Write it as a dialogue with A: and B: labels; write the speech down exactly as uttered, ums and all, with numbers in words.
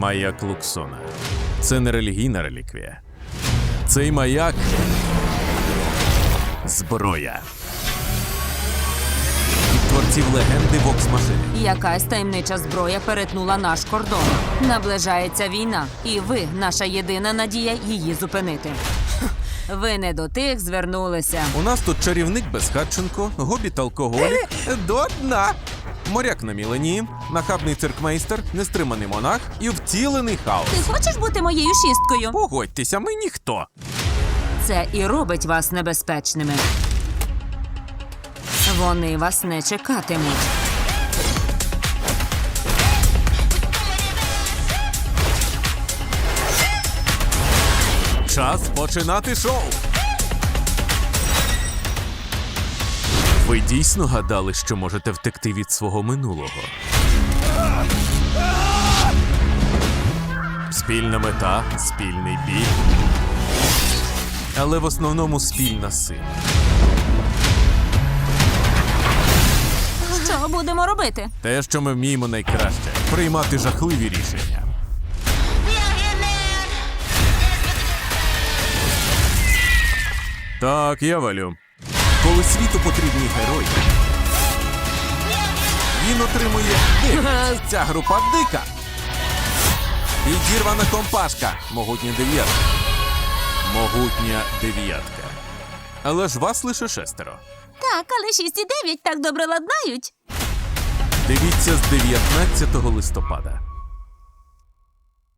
A: Маяк Луксона. Це не релігійна реліквія. Цей маяк – зброя. Від творців легенди Вокс-машини.
B: Якась таємнича зброя перетнула наш кордон. Наближається війна, і ви – наша єдина надія її зупинити. Ви не до тих звернулися.
A: У нас тут чарівник Безхатченко, гобіт-алкоголік, до дна. Моряк на міленії, нахабний циркмейстер, нестриманий монах і втілений хаос.
B: Ти хочеш бути моєю шісткою?
A: Погодьтеся, ми ніхто.
B: Це і робить вас небезпечними. Вони вас не чекатимуть.
A: Час починати шоу. Ви дійсно гадали, що можете втекти від свого минулого? Спільна мета, спільний біль. Але в основному спільна сила.
B: Що будемо робити?
A: Те, що ми вміємо найкраще – приймати жахливі рішення. Так, я валю. Коли світу потрібні герої, він отримує дикість. Ця група дика. Підірвана компашка. Могутня дев'ятка. Могутня дев'ятка. Але ж вас лише шестеро.
B: Так, але шість і дев'ять так добре ладнають.
A: Дивіться з дев'ятнадцятого листопада.